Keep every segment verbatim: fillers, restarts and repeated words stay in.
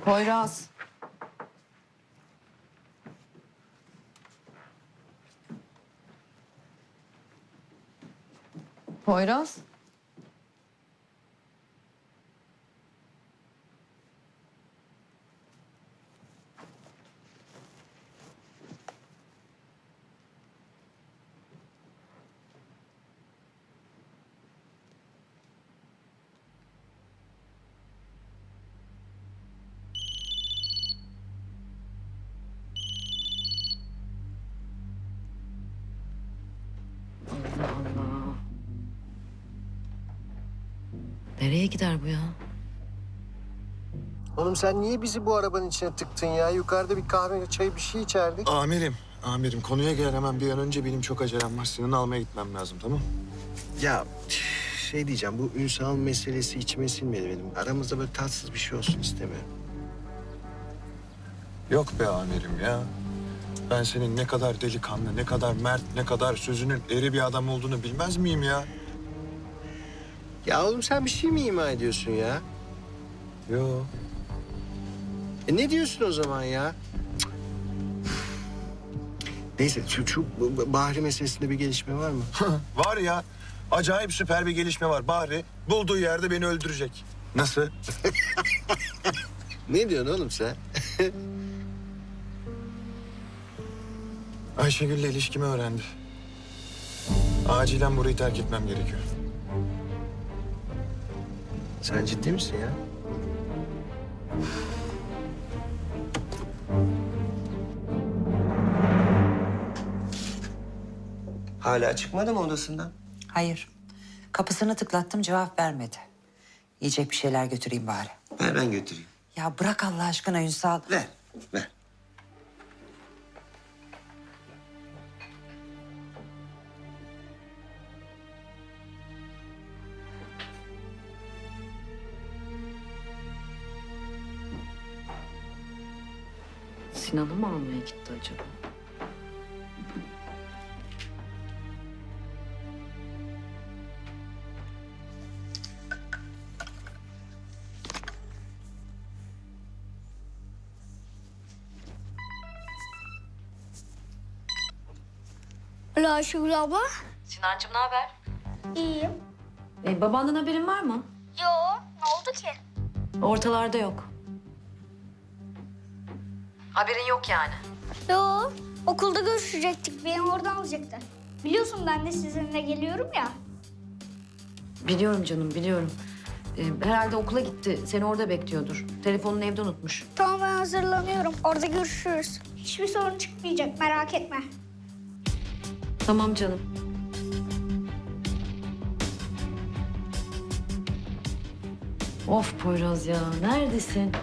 Poyraz. Poyraz. Allah Allah. Nereye gider bu ya? Oğlum sen niye bizi bu arabanın içine tıktın ya? Yukarıda bir kahve, çay bir şey içerdik. Amirim, amirim konuya gel hemen bir an önce benim çok acelem var. Senin almaya gitmem lazım tamam? Ya şey diyeceğim, bu Ünsal meselesi içime sinmedi benim. Aramızda böyle tatsız bir şey olsun istemiyorum. Yok be amirim ya. Ben senin ne kadar delikanlı, ne kadar mert, ne kadar sözünün eri bir adam olduğunu bilmez miyim ya? Ya oğlum sen bir şey mi ima ediyorsun ya? Yo. E ne diyorsun o zaman ya? Cık. Neyse şu, şu Bahri meselesinde bir gelişme var mı? Var ya, acayip süper bir gelişme var. Bahri bulduğu yerde beni öldürecek. Nasıl? Ne diyorsun oğlum sen? Ayşegül'le ilişkimi öğrendi. Acilen burayı terk etmem gerekiyor. Sen ciddi misin ya? Hala çıkmadı mı odasından? Hayır. Kapısını tıklattım, cevap vermedi. Yiyecek bir şeyler götüreyim bari. Ver ben götüreyim. Ya bırak Allah aşkına Ünsal. Ver, ver. Sinan'ı mı almaya gitti acaba? Alo Ayşegül abla. Sinancığım ne haber? İyiyim. E, babandan haberin var mı? Yo, ne oldu ki? Ortalarda yok. Haberin yok yani. Yo, okulda görüşecektik. Beni oradan alacaktı. Biliyorsun ben de sizinle geliyorum ya. Biliyorum canım, biliyorum. E, herhalde okula gitti. Seni orada bekliyordur. Telefonunu evde unutmuş. Tamam ben hazırlanıyorum. Orada görüşürüz. Hiçbir sorun çıkmayacak merak etme. Tamam canım. Of Poyraz ya, neredesin?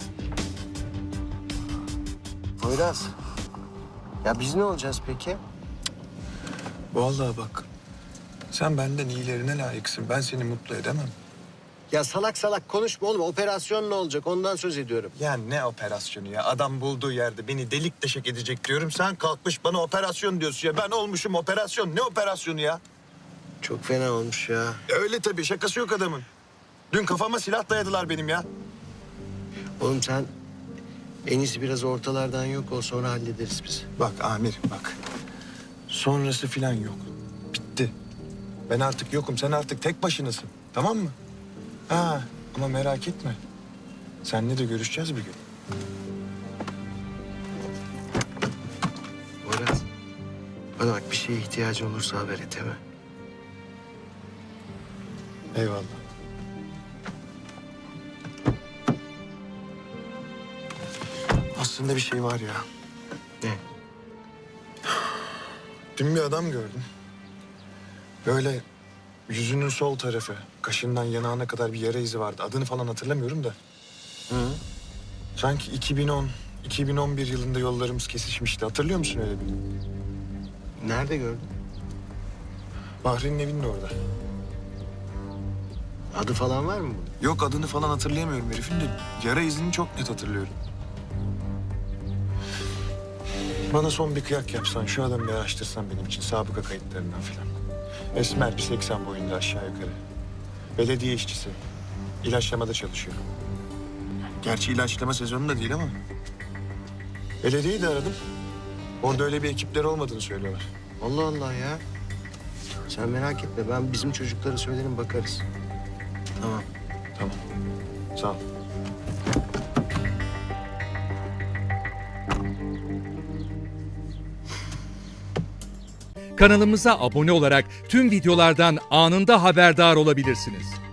Poyraz. Ya biz ne olacağız peki? Vallahi bak, sen benden iyilerine layıksın. Ben seni mutlu edemem. Ya salak salak konuşma oğlum. Operasyon ne olacak? Ondan söz ediyorum. Ya ne operasyonu ya? Adam bulduğu yerde beni delik deşek edecek diyorum. Sen kalkmış bana operasyon diyorsun ya. Ben olmuşum operasyon. Ne operasyonu ya? Çok fena olmuş ya. Öyle tabii. Şakası yok adamın. Dün kafama silah dayadılar benim ya. Oğlum sen en iyisi biraz ortalardan yok ol, sonra hallederiz biz. Bak amirim bak. Sonrası filan yok. Bitti. Ben artık yokum. Sen artık tek başınasın. Tamam mı? Ha ama merak etme. Seninle de görüşeceğiz bir gün. Poyraz. Bana bak bir şeye ihtiyacı olursa haber et hemen. Eyvallah. Aslında bir şey var ya. Ne? Dün bir adam gördüm. Böyle yüzünün sol tarafı, kaşından yanağına kadar bir yara izi vardı. Adını falan hatırlamıyorum da. Hı? Sanki iki bin on, iki bin on bir yılında yollarımız kesişmişti. Hatırlıyor musun öyle bir? Nerede gördün? Bahri'nin evinin orada. Adı falan var mı bunun? Yok adını falan hatırlayamıyorum herifin de yara izini çok net hatırlıyorum. Bana son bir kıyak yapsan, şu adamı bir araştırsan benim için sabıka kayıtlarından filan. Esmer bir seksen boyunda aşağı yukarı. Belediye işçisi. İlaçlamada çalışıyor. Gerçi ilaçlama sezonu da değil ama. Belediyeyi de aradım. Orada öyle bir ekipleri olmadığını söylüyorlar. Allah Allah ya. Sen merak etme. Ben bizim çocuklara söylerim bakarız. Tamam. Tamam. Sağ ol. Kanalımıza abone olarak tüm videolardan anında haberdar olabilirsiniz.